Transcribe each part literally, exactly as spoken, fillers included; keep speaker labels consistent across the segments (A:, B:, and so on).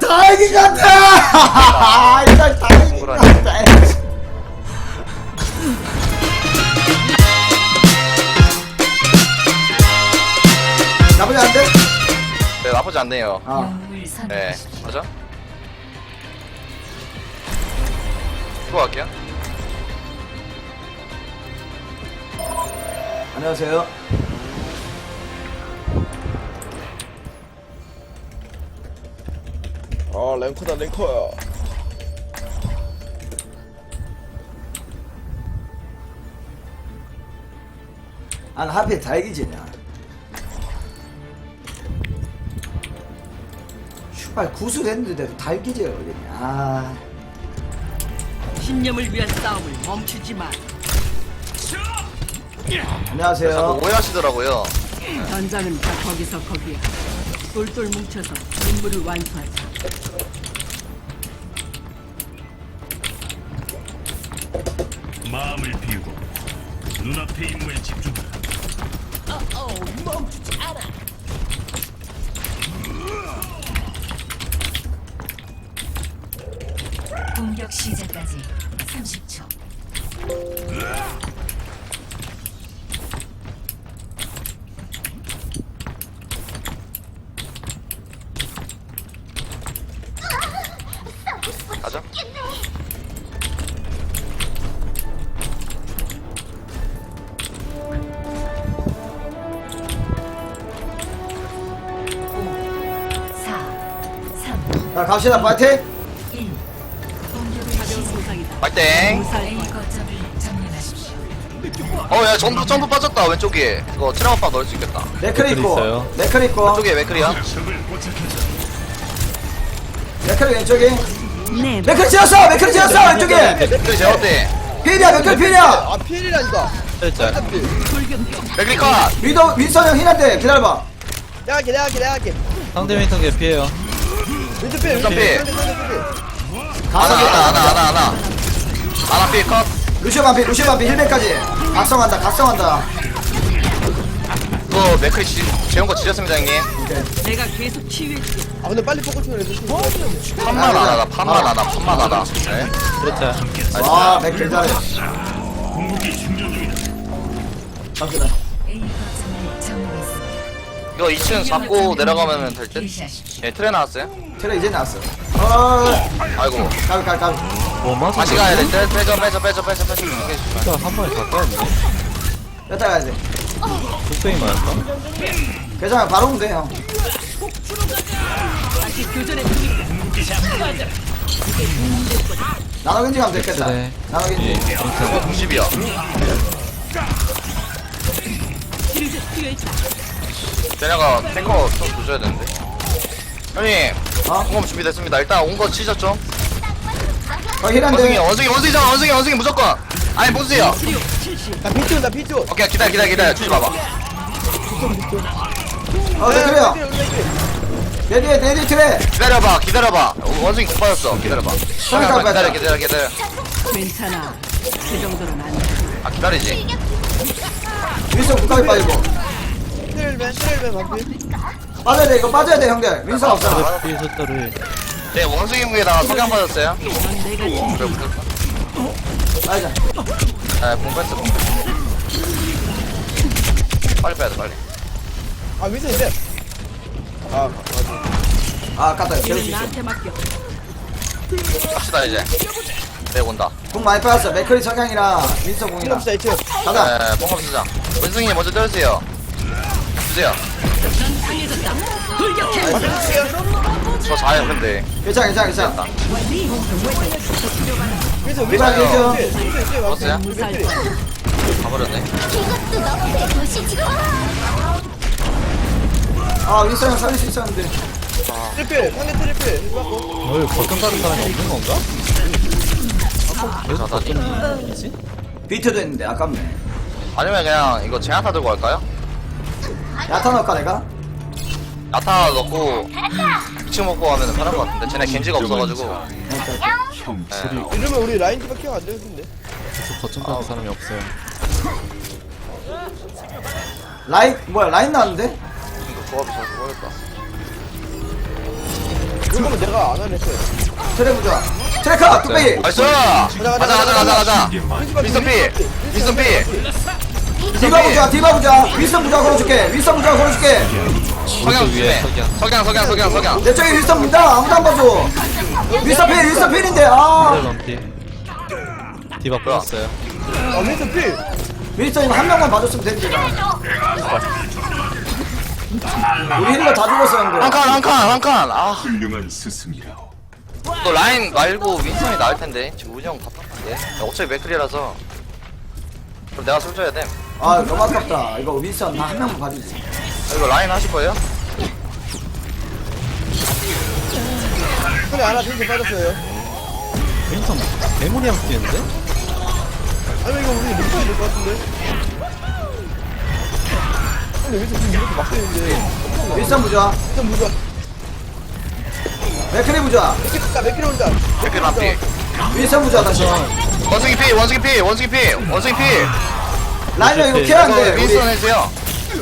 A: 다행인 것 같아. 이거 다행인 것 같아. 나쁘지 않은데?
B: 네, 나쁘지 않네요.
A: 어.
B: 네, 맞아? 이거 갈게요.
A: 안녕하세요.
C: 아 랭커다 랭커야.
A: 아, 나 하필 다행이지냐. 슈발 구슬했는데 달기지 그러겠냐. 아.
D: 신념을 위한 싸움을 멈추지 마.
A: 안녕하세요.
B: 자꾸 오해하시더라고요.
D: 전장은 다 거기서 거기야. 똘똘 뭉쳐서 임무를 완수하자.
E: 마음을 비우고 눈앞의 임무에 집중하라.
F: 공격 시작까지 삼십 초.
B: 가자.
F: 사, 삼,
A: 자, 갑시다. 파이팅!
F: 일. 공격을
D: 가벼운
F: 시작.
D: 손상이다.
B: 빨땡.
D: 무사할
F: A
D: 거야.
F: 거점을 점령하십시오.
B: 어, 야, 점프, 점프 빠졌다, 왼쪽에. 이거 트라우파 넣을 수 있겠다.
A: 맥클 있고.
G: 있어요.
A: 맥클 있고.
B: 왼쪽에 맥크리야.
E: 적을 포착했다.
A: 맥클 왼쪽에.
D: 네.
A: 맥클 지었어! 맥클 지었어! 왼쪽에!
B: 맥크리 제어대.
A: 필이야, 맥클 필이야!
C: 아 필이라니까.
G: 살짝.
B: 맥크리 컷!
A: 위도, 윈선 형 힐한테 기다려봐.
C: 내가 할게 내가 할게 내가 할게.
G: 상대 민턴 개피해요.
C: 왼쪽 필
B: 왼쪽
C: 왼쪽
B: 필.
C: 필. 왼쪽 필.
B: 하나, 하나, 하나, 하나, 하나. 하나 필 컷.
A: 루시오 반피, 루시오 반피 힐백까지. 각성한다, 각성한다.
B: 이거 맥크리 지, 재운 거 지렸습니다, 형님.
D: 내가 계속 치유해줄게.
C: 아 근데 빨리 포커싱을 해서.
B: 판만 안 하다, 판만 안 하다, 판만 안 하다. 네.
G: 그렇죠.
A: 아, 맥클 잘해.
E: 궁극기 충전 중이다.
A: 갑시다.
F: A 거점을 점령했습니다.
B: 이거 이 층 잡고 내려가면 될 듯?
F: 유지하십시오.
B: 예, 트레 나왔어요.
A: 테레 이제 나왔어. 어,
B: 아이고.
A: 가비, 가비, 가비.
G: 뭐 맞아?
B: 다시 가야 돼. 빼, 빼줘, 빼줘, 빼줘, 빼줘, 빼줘.
G: 진짜 한 번에 다 까였네.
A: 뺐다 가야지.
G: 뚝배기 맞았다.
A: 괜찮아, 바로 오면 돼, 형.
D: 다시 교전에
A: 나눠 견지 가면 됐겠다.
G: 그래.
A: 나눠
G: 예.
A: 견지.
B: 이거 구십이야.
D: 치료제 투여했다.
B: 쟤네가 탱커 좀 조져야 되는데. 형님,
A: 어?
B: 공업 준비됐습니다. 일단 온 거 치셨죠?
A: 어,
B: 원숭이,
A: 힐한데.
B: 원숭이, 원숭이잖아, 원숭이, 원숭이 무조건. 아니, 보세요.
C: 나 비트 나 비트.
B: 오케이, 기다려, 기다려, 기다려. 주지 마봐.
A: 어, 네, 그래요. 내 뒤에, 내 뒤에 트레.
B: 기다려봐, 기다려봐. 원숭이 공 빠졌어. 기다려봐.
A: 잠깐
B: 기다려,
A: 빠졌다.
B: 기다려, 기다려.
D: 괜찮아. 그 정도는 안 돼.
B: 아, 기다리지.
A: 윈선 국가에 빠지고.
C: 트레일맨 트레일맨 반피.
A: 빠져야 돼, 이거 빠져야 돼, 형들. 윈선 없잖아.
G: 피 숫자를.
B: 네, 원숭이 공에다가 석양 빠졌어요.
D: 넌 내가 지
B: 그래, 무조건.
A: 빠지자.
B: 네, 공 뺐어, 공 뺐어. 빨리 빼야 돼, 빨리.
C: 아 윈슨인데. 아
A: 아, 아깝다. 재울 수
D: 이는
A: 있어.
D: 나한테 맡겨.
B: 갑시다, 이제. 네, 온다.
A: 공 많이 빠졌어. 맥커리 석양이랑 윈선
C: 필요
A: 공이랑.
C: 없어 이층.
A: 가자.
B: 네, 뽕합 쓰자. 원숭이 먼저 때려주세요. 주세요.
D: 넌 강해졌다. 돌격해.
B: 저 자요, 근데.
A: 괜찮아, 괜찮아, 괜찮아.
C: 윈슨
A: 리발
B: 괜찮아요.
A: 윈선.
C: 윈슨 윈슨
B: 먹었어요?
D: 무사할
C: 윈슨.
D: 거야.
B: 가버렸네.
A: 아, 윈선 형 살릴 수 있었는데.
C: 트리플 상대 트리플. 이거 갖고.
G: 뭘 버튼 가는 사람이 없는 건가? 계속
B: 자다니.
G: 버튼이지?
A: 비트도 했는데, 아깝네.
B: 아니면 그냥 이거 제나타 들고 갈까요?
A: 야타 넣을까, 내가?
B: 야타 넣고 이 층 먹고 가면 편할 것 같은데 쟤네 겐지가 없어가지고. 네.
C: 이러면 우리 라인 디바 케어 안 되는데.
G: 계속 버튼 가는 사람이 없어요.
A: 라인, 뭐야, 라인 나왔는데?
B: 이거 조합이 잘 모르겠다.
C: 이거면 내가 안 하네 했어요.
A: 트레 보자. 트레카 뚝배기.
B: 나이스! 가자, 가자, 가자, 가자. 미스터 P! 미스터 P!
A: 디바 보자. 디바 보자. 윌슨 보자 걸어줄게. 윌슨 보자 걸어줄게.
B: 석양 조심해. 석양, 석양, 석양, 석양.
A: 내 쪽에 윌슨 본다. 아무도 안 봐줘. 윌슨 필, 윌슨 필인데. 아.
G: 트레 럼피. 디바 뿌렸어요.
C: 아 윈슨 필.
A: 윌슨 이거 한 명만 봐줬으면 되는데. 우리 힐러 다 죽었어 형들.
B: 한 칸, 한 칸, 한 칸. 아,
E: 훌륭한 스승이라.
B: 너 라인 말고 윈선이 나을 텐데. 지금 우정 답답한데. 어차피 맥클이라서. 그럼 내가 술 줘야 돼. 아,
A: 아 너무 아깝다. 이거 윌슨 나 한 명만 봐주지.
B: 이거 라인 하실 거예요?
C: 근데 하나 윈슨 빠졌어요.
G: 윈턴 메모리랑 뛰는데?
C: 아니 이거 우리 못 봐야 될것 같은데. 근데 윈슨 지금 이렇게 막 되는데.
A: 윌슨 보자.
C: 윈슨 무자.
A: 맥크리 보자.
C: 맥키다 맥키 온다.
B: 맥클 람피.
A: 윌슨 보자 다시.
B: 원숭이 피, 원숭이 피, 원숭이 피, 원숭이 피.
A: 라이너 이거
B: 이거
A: 케어한대.
B: 윈선
A: 우리
B: 해주세요.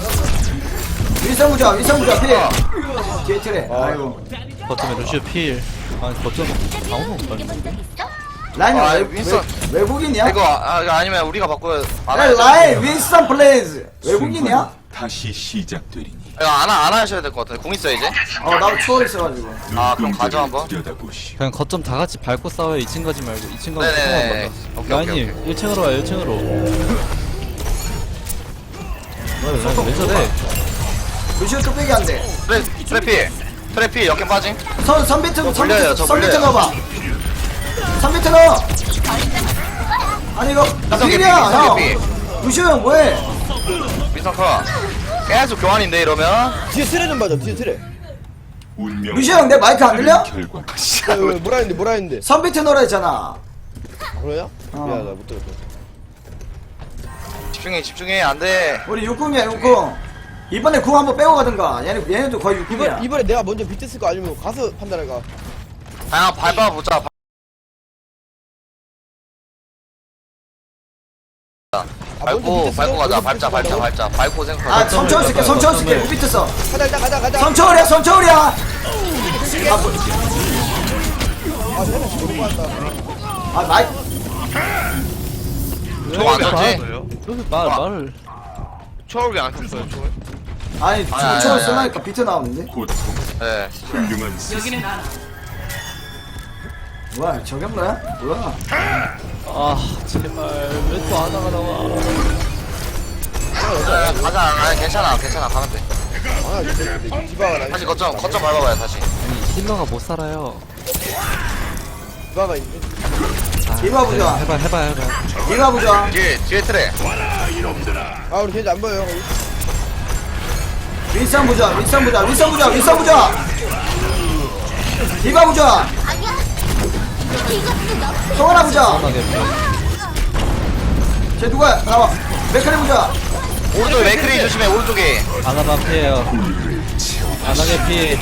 A: 윌슨 보자. 윌슨 보자 필. 뒤에 트레. 아이고.
G: 거점에 루시오 필. 아니 거점 아무도 못 봤는데.
A: 라이너
B: 아,
A: 외,
B: 윈슨.
A: 외, 외국인이야?
B: 이거 아, 이거 아니면 우리가 바꿔. 안
A: 야,
B: 하셔야
A: 라인 윈슨 플레이즈 외국인이야?
E: 다시 시작되리니.
B: 이거 안, 하- 안 하셔야 될 것 같은데. 궁 있어 이제?
A: 어 나도 추월 있어가지고.
B: 아, 그럼 가져 한번.
E: 들여다보시오.
G: 그냥 거점 다 같이 밟고 싸워요. 이 층 가지 말고 이 층 가서
B: 네네네.
G: 조금만
B: 오케이,
G: 받아.
B: 오케이,
G: 라인님 일 층으로 와요. 일 층으로. 왜, 왜 저래?
A: 루시오 뚝배기 안 돼.
B: 트래, 트래피. 트래피 역행 빠짐.
A: 선 선비트
B: 돌려요, 저
A: 선비트
B: 돌려요.
A: 넣어봐. 선비트 넣어. 아니 이거 나
B: 이성
A: 필이야
B: 개피, 이성
A: 형.
B: 개피.
A: 루시오 형 뭐해?
B: 미성커. 계속 교환인데 이러면.
C: 뒤에 트레 좀 봐줘. 뒤에 트레.
E: 운명.
A: 루시오 형 내 마이크 안 들려?
E: 결과.
C: 야, 왜, 뭐라 했는데 뭐라 했는데.
A: 선비트 넣으라 했잖아.
C: 아, 그러냐?
A: 어.
C: 미안하다 못 들었어.
B: 집중해, 집중해. 안 돼.
A: 우리 육궁이야 육궁. 이번에 궁 한번 빼고 가든가. 얘네 얘네도 거의 육궁이야.
C: 이번 이번에 내가 먼저 비트 쓸까 아니면 가서 판단할까?
B: 그냥 밟아보자. 밟고, 밟고 가자. 밟자, 밟자, 밟자. 밟고
A: 아
B: 생각하자.
A: 선처울 쓸게 선처울 쓸게 무비트 써.
C: 가자 일단 가자 가자.
A: 선처울이야 선처울이야. 아, 뭐,
C: 아 내가 지금 못 봤다.
A: 아 마이
B: 저거 안 쳤지?
G: 왜 말, 말을.
B: 초월이 안 쳤어요, 초월?
A: 아니
B: 아니, 아니,
A: 선처울
B: 아니,
A: 쓰라니까 비트 나오는데.
E: 고통.
B: 네.
E: 훌륭한 스승.
D: 여기는 알아.
A: 뭐야 저격 뭐야? 뭐야?
G: 아 제발 왜 또 하나가 나와.
B: 네, 가자. 아니, 괜찮아, 괜찮아. 가면 돼.
C: 아 근데 디바가 나.
B: 다시 거점, 거점 밟아봐요, 다시.
G: 아니 힐러가 못 살아요.
C: 디바가 있네.
A: 이봐 보자.
G: 해봐 해봐 해봐.
A: 이봐 보자.
B: 뒤에, 뒤에 트레.
C: 아 우리 겐지 안 보여.
A: 윈선 보자. 윈선 보자. 윈선 보자. 윈선 보자. 이봐 보자. 또 하나 보자.
G: 하나게
A: 쟤 누구야? 나와. 맥카리 보자.
B: 오른쪽에 메이크리 조심해, 오른쪽에.
G: 하나가 피해요. 하나게 피해.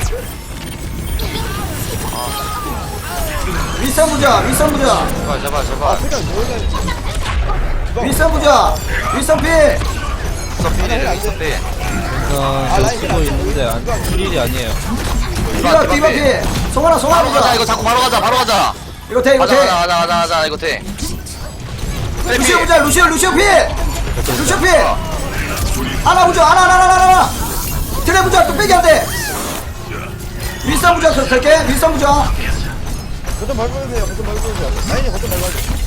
A: 윈선 보자. 윈선 보자.
B: 제발, 제발, 제발.
C: 그냥 뭐야?
A: 윈선 보자. 윈선 피.
B: 서피디를 있었대.
G: 아, 저 쓰고 있는데 안, 일이 아니에요.
A: 디바 디바 피. 송하나 송하나
B: 바로 가자,
A: 보자.
B: 이거 자꾸 바로 가자, 바로 가자.
A: 이거 돼 이거
B: 가자,
A: 돼.
B: 가자, 가자, 가자, 가자, 이거 돼.
A: 루시오 보자. 루시오 루시오 피. 루시오 피. 하나 보자. 하나 하나 하나 하나. 트레 보자. 또 빼기 안 돼. 윈선 보자. 더 될게. 윈선 보자.
C: 거점 밟아주세요. 거점 밟아주세요. 라인이 거점 밟아줘.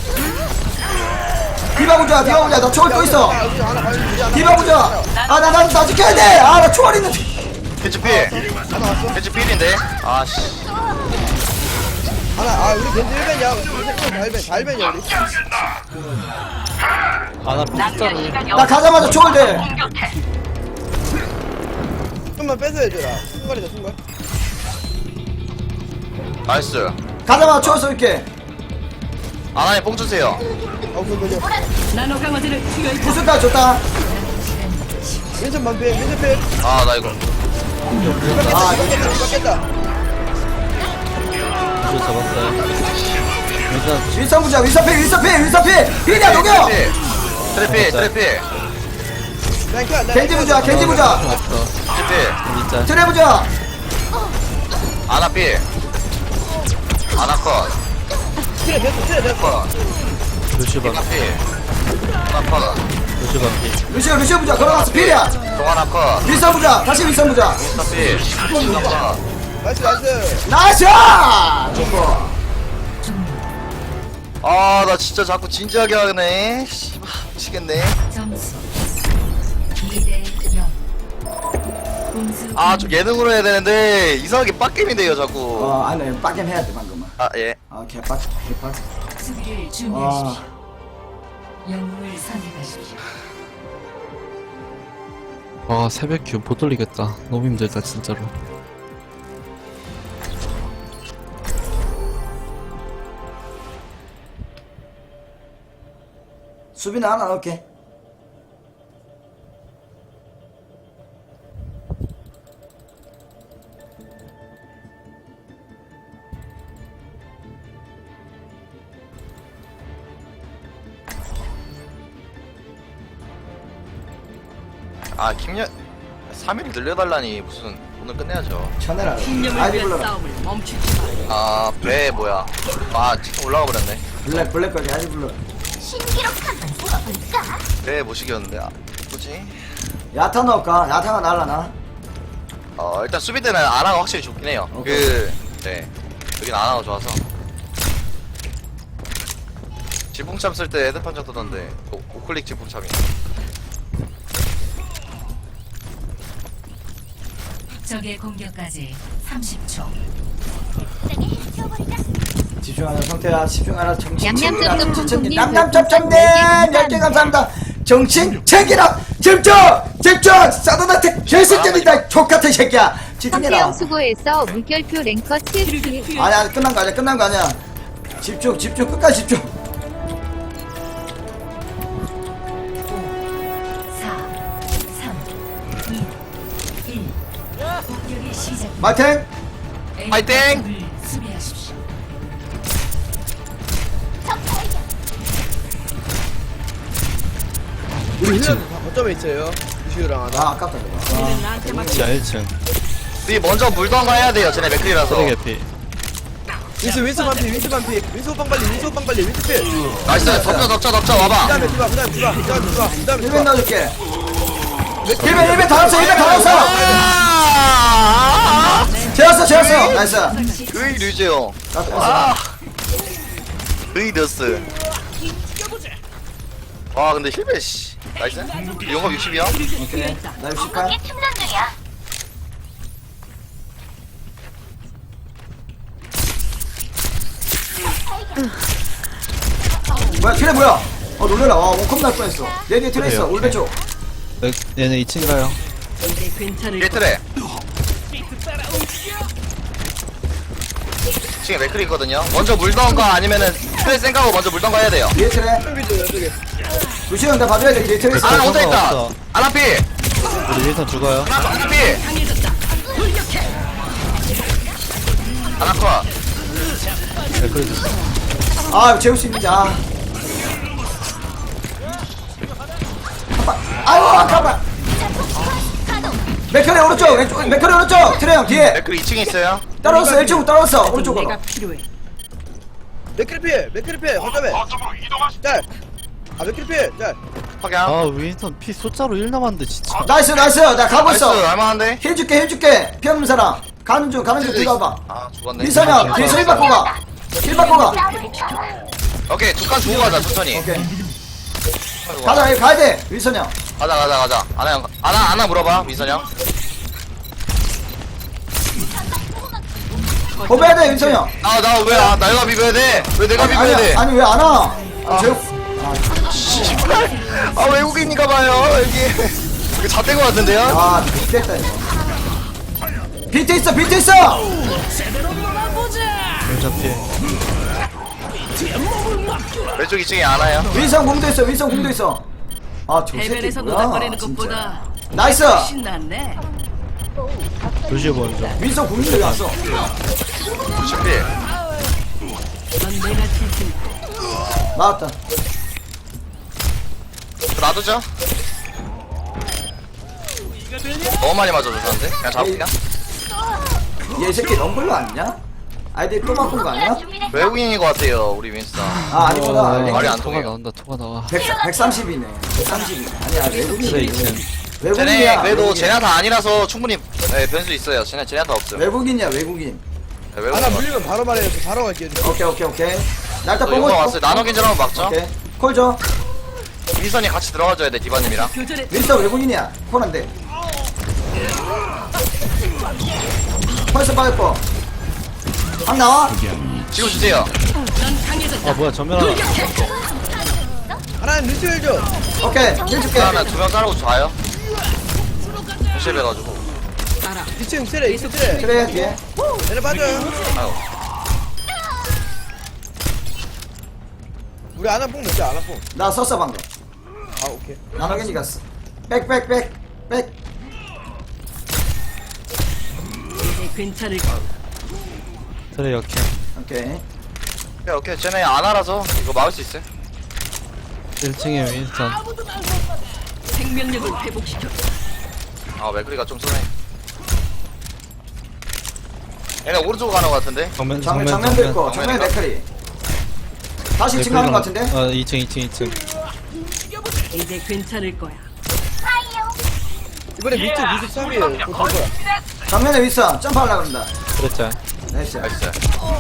A: 디바 보자. 디바 보자. 나 초월 또 있어.
C: 아, 우리 하나 밟아주자.
A: 디바 보자. 아, 나, 나, 나 지켜야 돼. 아, 나 초월 있는데.
B: 캐치필. 캐치필인데? 아씨.
C: 하나 아 우리 겐지 일 벤이야. 우리 달벤 달벤이야 우리.
G: 하나 피자를.
A: 나 가자마자 초월 돼.
C: 좀만 뺏어야 되라. 순간이다 순간.
B: 나이스.
A: 가자마자 초월 쏠게.
B: 아나님 뽕 주세요.
C: 아 그거
D: 나노 강화제를 투여해.
A: 구슬까지 줬다.
C: 윈슨 반피 윈슨 필.
B: 아, 나 이거.
A: 아,
C: 깼다 깼다.
G: 이거 잡았어요. 일단
A: 윈선 보자. 윈선 피, 윈선 피, 윈선 피. 피냐, 녹여.
B: 트래피, 트래피.
C: 난 켜, 난
A: 겐지
C: 켜.
A: 보자, 겐지 보자.
G: 없어.
B: 트래피.
G: 진짜.
A: 트레 보자.
B: 아나피. 컷.
C: 트레 됐어 트레 됐어
B: 컷.
G: 루시 반
B: 피카피. 하나 컷.
G: 루시 반피.
A: 루시오 루시오 부자 걸어갔어 필이야.
B: 동하나 컷.
A: 윈선 부자 다시 윈선 부자.
B: 피카피. 하나 컷.
C: 나이스 나이스
A: 나이스. 좋고.
B: 아, 나 진짜 자꾸 진지하게 하네. 씨발, 미치겠네.
F: 점수 이 대 영. 공수
B: 아, 좀 예능으로 해야 되는데, 이상하게 빡겜인데요, 자꾸.
A: 어 안에 빡겜 해야 돼 방금은.
B: 아, 예.
A: 아 개빡 개빡.
F: 수비를
A: 아
F: 준비하십시오. 영웅을 선택하십시오.
G: 와 새벽 기운 못 돌리겠다. 너무 힘들다 진짜로.
A: 수비는 하나 넣을게.
B: 아, 김연, 삼 일 늘려달라니, 무슨, 오늘 끝내야죠.
A: 쳐내라.
D: 신념을
A: 아이디
D: 위한
A: 불러라.
D: 싸움을 멈추지 마.
B: 아, 배, 뭐야. 아, 지금 올라가 버렸네.
A: 블랙 블랙 거기 아이디 불러.
B: 배 못 시켰는데, 아, 뭐지?
A: 야타 넣을까? 야타가 날라나?
B: 어, 일단 수비 때는 아나가 확실히 좋긴 해요.
A: 오케이.
B: 그, 네. 여긴 아나가 좋아서. 지붕참 쓸 때 헤드판 정 뜨던데, 오, 오클릭 지붕참이.
F: 적의 공격까지 삼십 초.
A: 집중하는 성태야 집중하라 정신
H: 얌얌
A: 챙기라
H: 쩝쩝
A: 정신 챙기
H: 콩콩님
A: 냠냠쩝쩝님
H: 별풍선
A: 열 개 감사합니다. 정신 챙기라 집중 집중 사도나트 결승전이다 족같은 새끼야 집중해라.
H: 성태형 수고했어. 물결표 랭커 칠십일.
A: 아니야 끝난 거 아니야 끝난 거 아니야. 집중 집중 끝까지 집중.
F: 사, 삼, 이, 일. 공격의 시작.
A: 마탱
B: 파이팅!
F: 수비하십시오.
C: 우리 힐러들 다 거점에 있어요 루시우랑 하나
A: 아 아깝다 이거.
D: 너는 나한테 맡겨.
G: 지하 일 층.
B: 우리 먼저 물던가 해야 돼요, 쟤네 맥클이라서.
G: 쓰레기 피.
C: 윈스 윈스 반피 윈스 반피 윈스 호빵 빨리 윈스 호빵 빨리 윈스 필
B: 나이스, 덮쳐, 덮쳐, 덮쳐,
C: 그
B: 와봐.
C: 다음에 디바 그 다음에 디바 그 다음에 디바 그 다음에
A: 일 벤
C: 디바
A: 넣어줄게. 일 벤 일 벤 다 넣었어 일 벤 다 넣었어.
B: 아!
A: 재웠어 재웠어 나이스.
B: 으이, 류재용.
A: 나 떴어.
B: 아! 으이, 너스. 아, 근데 힐베, 씨. 나이스. 용업 육십이야?
A: 오케이 나 육십팔. 뭐야 트레 뭐야? 어 놀래라. 와 원컵 날 뻔했어. 내 뒤에 트레 있어
G: 그래요?
A: 올배 쪽.
G: 네, 얘네 이 층 가요.
D: 이제 괜찮을
B: 게트레. 지금 맥클이 있거든요. 먼저 물던가 아니면은 트레 생각하고 먼저 물던가 해야 돼요.
A: 뒤에 트레.
C: 준비도 여쪽에
A: 루시 형나 봐줘야 돼. 뒤에 트레 있어.
B: 아나 혼자 있다.
G: 없어.
B: 아나피.
G: 우리 윈선 죽어요.
B: 아나피.
D: 강해졌다. 돌격해.
B: 아나커.
G: 네, 그래도
A: 아 재울 수 있는지 아. 아빠. 아유 아까봐. 맥커리 오른쪽 왼쪽 맥커리 오른쪽 트레 형 뒤에.
B: 맥클 이 층에 있어요.
A: 따라왔어 일 층으로 따라왔어 오른쪽으로.
D: 내가 필요해.
C: 맥크리 필 맥크리 필 거점에 짤아 맥크리 필짤
B: 확양.
G: 아 윈선 피 숫자로 일 남았는데 진짜.
A: 나이스 나이스 나 가고
B: 나이스,
A: 있어.
B: 할만한데?
A: 힐 줄게 힐 줄게 피 없는 사람 가는 중 가는 중 들어가봐.
B: 아, 죽었네.
A: 민선형 뒤에서 힐 받고 가힐 받고 가.
B: 오케이, 두 칸 주고 가자, 천천히.
A: 오케이 가자 여기 가야 돼 민선형.
B: 가자, 가자, 가자. 아나, 형, 아나, 아나 물어봐, 민선 형.
A: 고배야 돼 민선형.
B: 아, 나 왜, 아, 내가 비벼야 돼? 왜 내가 비벼야 돼?
A: 아니 왜 안 와? 아, 제
B: 씨발. 아, 외국인인가 봐요, 여기. 이거 잣된 거 같은데요?
A: 아, 됐다 이거. 비트 있어, 비트 있어.
G: 윈선 피.
B: 왼쪽 이 층에 안 와요.
A: 윈성 공도 있어, 윈성 공도 있어. 아, 저 새끼
D: 대면에서
A: 뭐야?
D: 노닥거리는
A: 진짜.
D: 것보다
A: 나이스.
D: 훨씬 낫네.
G: 루시 먼저.
A: 윈성 공도 여기 왔어.
B: 준비.
D: 넌 내가 칠 테니까.
A: 나왔다.
B: 놔두죠. 너무 많이 맞아줬는데? 그냥 잡을게요.
A: 얘 새끼 럼블로 아니냐? 아이디 또 바꾼 거 아니야?
B: 외국인인 것 같아요 우리 윈스턴.
A: 아 아니구나.
B: 말이 안
G: 토가
B: 통해요.
G: 나온다 토가 나와.
A: 백 백삼십이네. 백삼십이. 아니야
G: 그래
A: 외국인.
G: 이층.
B: 쟤네
A: 외국인이야.
B: 그래도
A: 외국인.
B: 제나타 아니라서 충분히 네, 변수 있어요. 쟤네 제나타 없음.
A: 외국인이야 외국인.
B: 네,
C: 하나
B: 외국인.
C: 물리면 바로 말해요. 바로 갈게요.
A: 오케이 오케이 오케이. 나 일단
B: 또
A: 보고
B: 이거 왔어요. 나노 겐지 한번 막죠.
A: 오케이. 콜 줘.
B: 윈선이 같이 들어가줘야 돼 디바님이랑.
D: 교전에
A: 윈스턴 외국인이야. 콜한데. 펄스 빠졌고. 한 나와.
B: 지금 주세요.
D: 넌 강해졌다.
G: 아 뭐야 전면 하나.
C: 하나는 루시오 해줘.
A: 오케이. 힐 줄게.
B: 하나 두명 자르고 좌요. 무시해가지고.
D: 알아.
C: 이 층 트레, 이 층 트레.
A: 그래 뒤에.
C: 얘네 빠져요.
B: 아유.
C: 우리 아나뽕 넣자, 아나뽕.
A: 나 썼어 방금.
C: 아, 오케이.
A: 나노겐지 갔어. 백 백 백 백.
D: 이제 괜찮을 거야.
G: 그래 역해.
A: 오케이.
B: 오케이 오케이 쟤네 안 알아서 이거 막을 수 있어요.
G: 일 층에 윈스턴.
D: 생명력을 회복시켜.
B: 아 맥크리가 좀 쏘네. 얘네 오른쪽으로 가는 것 같은데.
G: 정면
A: 정면
G: 정면
A: 정면도 있고
B: 정면.
A: 정면 맥크리. 다시 이 층 가는 거 같은데?
G: 아 이 층 이 층 이 층.
D: 이제 괜찮을 거야.
C: 이번에 밑에 구십삼이에요. 그거 볼 거야.
A: 정면에 윈스턴 점프하려고 그런다.
G: 그랬지.
A: 나이스.
B: 나이스.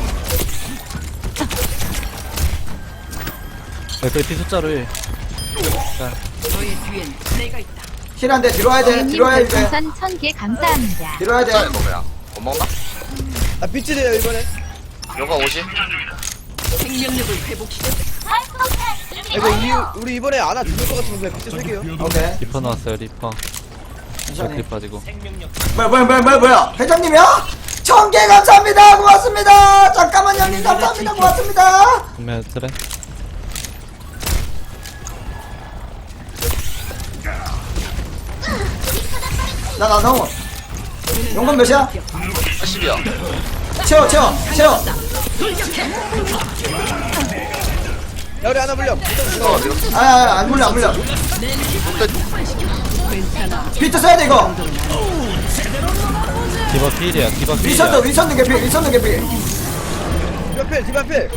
G: 맥클 피 숫자로 일.
D: 너의 뒤엔 내가 있다.
A: 힐한데 뒤로 와야 돼.
H: 님
A: 뒤로 와야 돼.
H: 별풍선 천 개 감사합니다.
A: 뒤로 와야
B: 숫자
A: 돼.
B: 이거 뭐야? 못 먹나?
C: 아, 빛이 돼요, 이번에.
B: 요거 오십.
D: 생명력을 회복시켜.
C: 이거 이, 우리 이번에 아나 죽을 것 같으면 그냥 빛이 쓸게요.
A: 오케이.
G: 리퍼 나왔어요 리퍼.
A: 천천히.
G: 맥클 빠지고.
A: 뭐야 뭐야 뭐야 뭐야 뭐야 회장님이야? 천 개 감사합니다. 고맙습니다. 잠깐만 형님 감사합니다. 고맙습니다.
G: 정면 트레.
A: 나 나 너무. 용건 몇이야?
B: 팔십이야.
A: 채워 채워 채워.
C: 야, 우리 아나 물려.
B: 이거 이거
A: 아안 물려 안 물려.
D: 괜찮아.
A: 비트 써야 돼 이거.
G: 디바 필이야 디바 필이야.
A: 위선도 위선도 개피 위선도 개피.
C: 디바필, 디바필.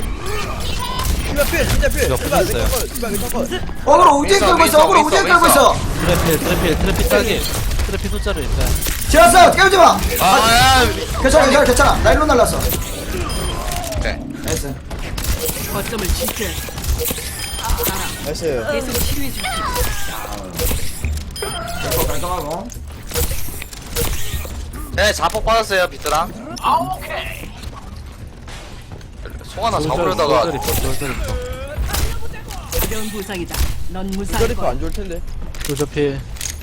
C: 디바필, 진짜 필.
G: 디바
C: 디바,
G: 풀렸어요.
C: 내 거, 디바, 내 거.
A: 어그로 우주에
B: 윈서,
A: 끌고 있어.
B: 윈서,
A: 어그로 우주에
B: 윈서,
A: 끌고 있어.
G: 트레 필 트레 필 트레 피 따기. 트레 피 숫자로 일단.
A: 지웠어. 깨우지 마.
B: 아,
A: 괜찮아 괜찮아 괜찮아. 나 일로 날랐어.
B: 오케이.
A: 나이스.
D: 거점을 지켜야 돼.
C: 나이스.
D: 계속 치료해 줄게.
A: 이거 깔끔하고.
B: 네, 자폭 받았어요, 비트랑. 아, 오케이. 송 하나 잡으려다가
G: 솔저 리퍼 솔저 리퍼.
D: 가벼운 부상이다. 넌 무사할
C: 저리퍼
D: 거야.
C: 안 좋을 텐데.
G: 솔저 필.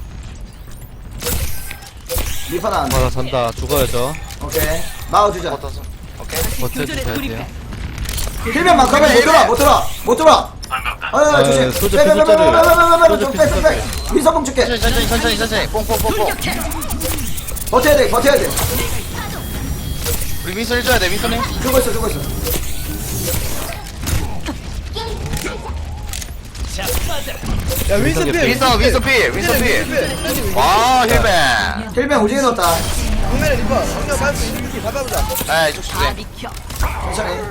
A: 리퍼는 안 돼.
G: 바다 잔다 죽어야죠.
A: 오케이. 마워주자.
B: 붙어서. 오케이.
D: 교전에
G: 버텨주셔야
D: 돌입해.
G: 돼요.
A: 힐면 만큼은 못 들어 못 들어 못 들어. 아 조심.
G: 소주
A: 빼, 빼, 빼, 빼, 빼, 빼, 빼, 빼, 빼,
G: 소주
A: 좀 빼, 좀 빼. 민서봉 줄게.
B: 천천히, 천천히, 천천히, 천천히. 뽕뽕뽕뽕.
A: 버텨야 돼 버텨야 돼.
B: 우리 윈선 해줘야 돼, 윈선이.
A: 죽어 있어 죽어 있어.
C: 야, 윈스 필.
B: 윈선, 윈선 필, 윈선 필. 와, 힐맨.
A: 힐면 오지게 넣었다.
C: 정면에 리퍼. 정면 반수 이렇게 잡아보자.
B: 아, 이쪽 주세요.
D: 비켜.
A: 천천히.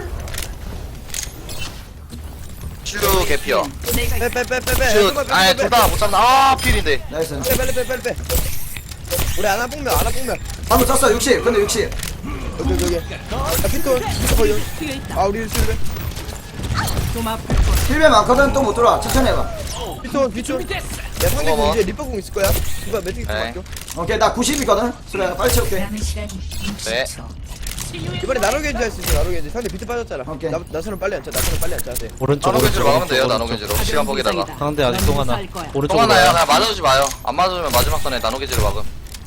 B: 칠루 개피어.
D: 내가
C: 빼, 빼, 빼, 빼, 빼.
B: 슛. 아, 둘 다 못 잡나. 아, 필인데.
A: 나이스.
C: 빼, 빨리 빼, 빨리 빼. 우리 아나 뽕면, 아나 뽕면.
A: 방금 썼어 육십. 근데 육십.
C: 여기, 여기, 여기. 야, 피톤. 피톤 거의 여기.
D: 뛰어 있다.
C: 아, 우리 실베.
D: 좀 아플 거야.
A: 힐면 많거든 또 못 들어와. 천천히 해봐.
C: 피톤, 피톤. 야, 상대
B: 어머.
C: 이제 리퍼 공 있을 거야. 누가 매트릭스
B: 네.
C: 맡겨.
A: 오케이 나 구십이거든. 수레야 빨리 채울게.
F: 남은 시간
B: 네.
F: 육십 초.
C: 이번에 나노겐지 할 수 있어, 나노겐지. 상대 비트 빠졌잖아.
A: 오케이.
C: 나, 나서는 빨리 안 차, 나서는 빨리 안 차야 돼.
G: 오른쪽
B: 나노겐지로
G: 오른쪽
B: 막으면 돼요,
G: 오른쪽,
B: 나노겐지로.
G: 오른쪽.
B: 시간 보기다가.
G: 상대 아직 동 하나. 오른쪽
B: 또 하나요? 그냥 맞아주지 마요. 안 맞아주면 마지막 선에 나노겐지로 막음.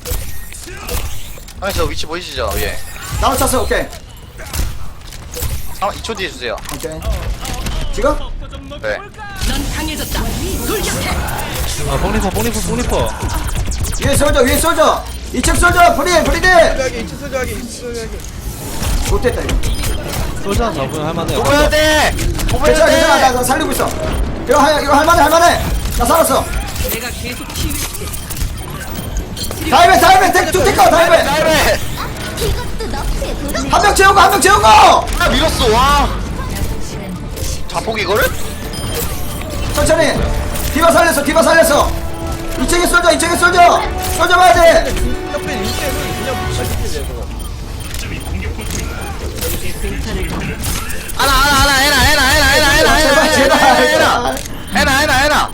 B: 형님, 저 위치 보이시죠? 예.
A: 나도 찼어. 오케이.
B: 이 초 뒤에 주세요.
A: 오케이. 지금?
B: 네.
D: 넌 강해졌다. 돌격해.
G: 아 뽕리퍼 뽕리퍼 뽕리퍼.
A: 위에 쏠져 위에 쏠져. 이층 쏠져. 프리 프리딜.
C: 소저하게, 이치 소저하게, 이치 소저하게.
A: 못됐다 이거.
G: 솔저 잡으면 할만해요.
B: 뽑아야 돼! 뽑아야
A: 괜찮아 괜찮아. 나,
B: 돼!
A: 나 살리고 있어. 이거 할 이거 할만해 할만해. 나 살았어.
D: 내가 계속 치유해줄게.
A: 다이벤 다이벤 택 투테커 다이벤.
B: 나이베!
A: 한 명 재우고 한 명 재우고.
B: 아 밀었어 와 자폭 이거를?
A: 천천히. 디바 살렸어 디바 살렸어. 이 층에 쏠져 이 층에 쏠져. 쏠져 봐야 돼.
C: 옆에 윈스는 그냥 잘 지켜야 돼
B: 하나 하나 하나 해나 해나 해나 해나 해나 해나
A: 제발 제발
B: 해나
A: 제발.
B: 해나 해나 해나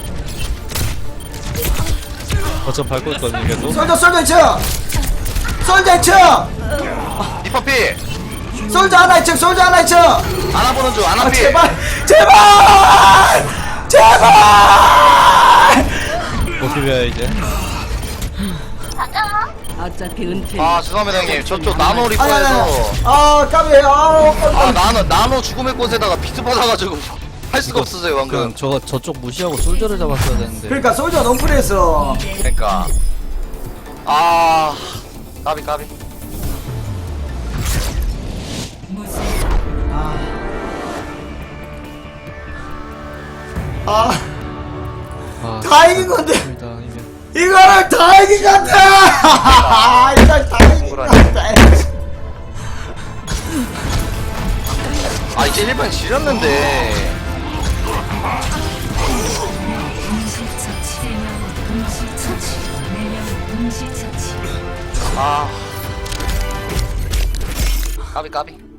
G: 거점 밟고 있거든요 계속.
A: 쏠져 쏠져 이 층. 쏠져 이 층.
B: 리퍼피
A: 쏠져 하나 이 층. 쏠져 하나 이 층.
B: 안아보는 중
A: 아
B: 안아피
A: 제발 제발 제발.
G: 버티면 이제.
D: 어차피 은퇴.
B: 아 죄송합니다 형님 저쪽 나노
A: 아니
B: 리퍼에서
A: 아니 아니. 아 까비. 아
B: 아 나노 나노 죽음의 꽃에다가 비트 받아가지고 할 수가 없었어요 방금
G: 그냥 저 저쪽 무시하고 솔저를 잡았어야 되는데.
A: 그러니까 솔저 너무 프리했어.
B: 그러니까 아 까비 까비
F: 무슨
A: 아
G: 아,
A: 다 이긴 건데
G: 일단 이면.
A: 이거를 다 이긴 것 같아. 이걸 다 이긴 것 같아.
B: 아 이제 일반 지렸는데
F: 동시처치 세명 동시처치 네명 동시처치
B: 아 까비 까비